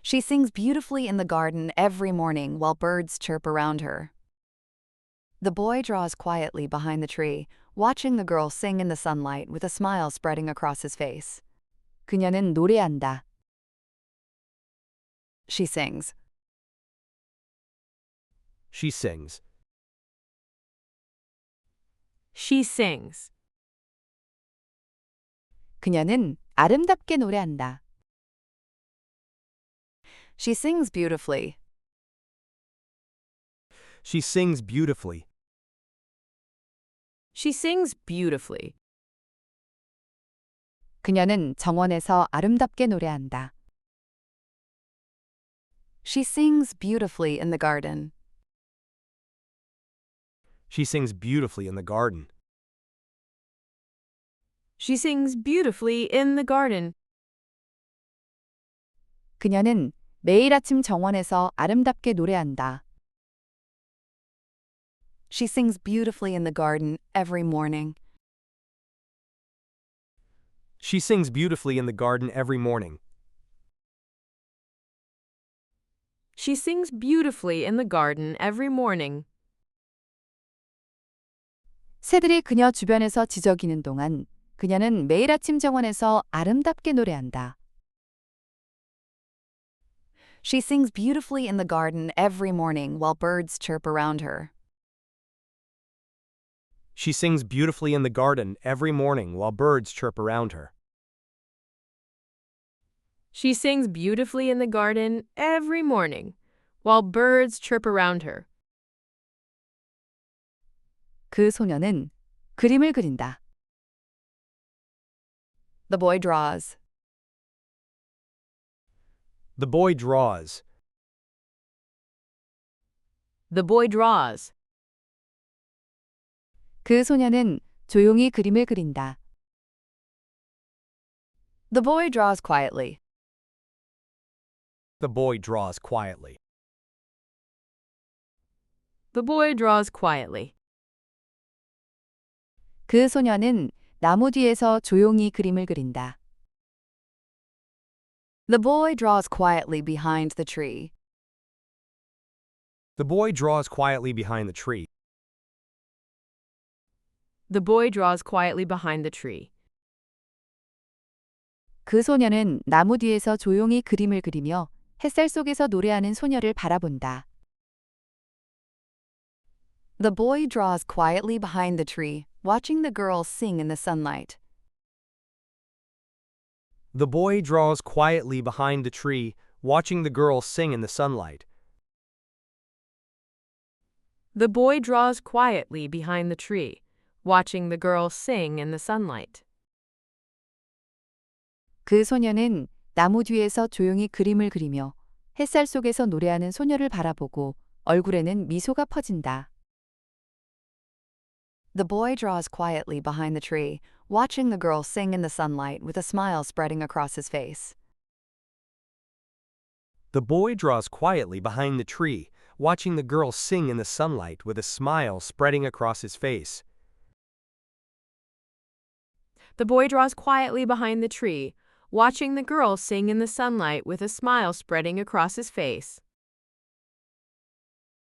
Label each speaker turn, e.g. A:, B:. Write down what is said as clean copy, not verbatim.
A: She sings beautifully in the garden every morning while birds chirp around her. The boy draws quietly behind the tree, watching the girl sing in the sunlight with a smile spreading across his face. 그녀는 노래한다. She sings.
B: She sings.
C: She sings.
A: 그녀는 아름답게 노래한다. She sings beautifully.
B: She sings beautifully.
C: She sings beautifully.
A: 그녀는 정원에서 아름답게 노래한다. She sings beautifully in the garden.
B: She sings beautifully in the garden.
C: She sings beautifully in the garden.
A: 그녀는 매일 아침 정원에서 아름답게 노래한다. She sings beautifully in the garden every morning.
B: She sings beautifully in the garden every morning.
C: She sings beautifully in the garden every morning.
A: 새들이 그녀 주변에서 지저귀는 동안 그녀는 매일 아침 정원에서 아름답게 노래한다. She sings beautifully in the garden every morning while birds chirp around her.
B: She sings beautifully in the garden every morning while birds chirp around her.
C: She sings beautifully in the garden every morning while birds chirp around her.
A: 그 소녀는 그림을 그린다. The boy draws.
B: The boy draws.
C: The boy draws.
A: 그 소녀는 조용히 그림을 그린다. The boy draws quietly.
B: The boy draws quietly.
C: The boy draws quietly.
A: 그 소녀는 나무 뒤에서 조용히 그림을 그린다. The boy draws quietly behind the tree.
B: The boy draws quietly behind the tree.
C: The boy draws quietly behind the tree.
A: 그 소녀는 나무 뒤에서 조용히 그림을 그리며 햇살 속에서 노래하는 소녀를 바라본다. The boy draws quietly behind the tree, watching the girl sing in the sunlight.
B: The boy draws quietly behind the tree, watching the girl sing in the sunlight.
C: The boy draws quietly behind the tree, watching the girl sing in the sunlight.
A: 그 소녀는 나무 뒤에서 조용히 그림을 그리며 햇살 속에서 노래하는 소녀를 바라보고 얼굴에는 미소가 퍼진다. The boy draws quietly behind the tree, watching the girl sing in the sunlight with a smile spreading across his face.
B: The boy draws quietly behind the tree, watching the girl sing in the sunlight with a smile spreading across his face.
C: The boy draws quietly behind the tree, watching the girl sing in the sunlight with a smile spreading across his face.